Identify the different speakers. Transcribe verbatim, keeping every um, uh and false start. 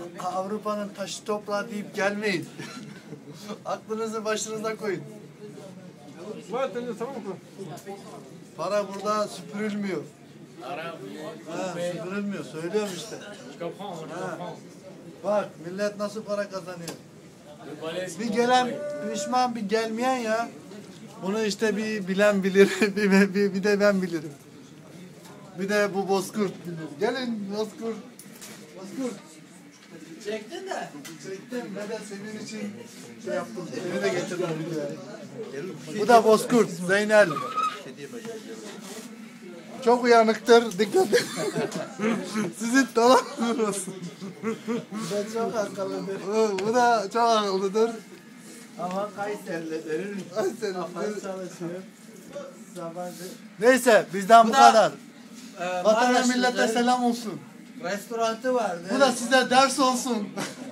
Speaker 1: Avrupa'nın taşı toprağı deyip gelmeyin. Aklınızı başınıza koyun. Para burada süpürülmüyor. Ha, süpürülmüyor. Söylüyorum işte. Ha. Bak millet nasıl para kazanıyor. Bir gelen pişman bir gelmeyen ya. Bunu işte bir bilen bilir. bir, bir, bir de ben bilirim. Bir de bu Bozkurt bilir. Gelin Bozkurt. Bozkurt.
Speaker 2: Çektin de.
Speaker 1: Çektim ve de senin için şey yaptım. Seni de getirdim videoya. Bu da Bozkurt. Zeynel. Çok uyanıktır. Dikkat edin. Sizin dolanır olsun.
Speaker 2: Bu da çok akıllıdır.
Speaker 1: Bu da çok akıllıdır.
Speaker 2: Ama Kayseri'lidir. Kafası çalışıyor. Sabancı.
Speaker 1: Neyse bizden bu,
Speaker 2: Bu da,
Speaker 1: kadar.
Speaker 2: Ee,
Speaker 1: Vatana
Speaker 2: Maraşlıdır.
Speaker 1: millete selam olsun.
Speaker 2: Restoranı vardı.
Speaker 1: Bu da size ders olsun.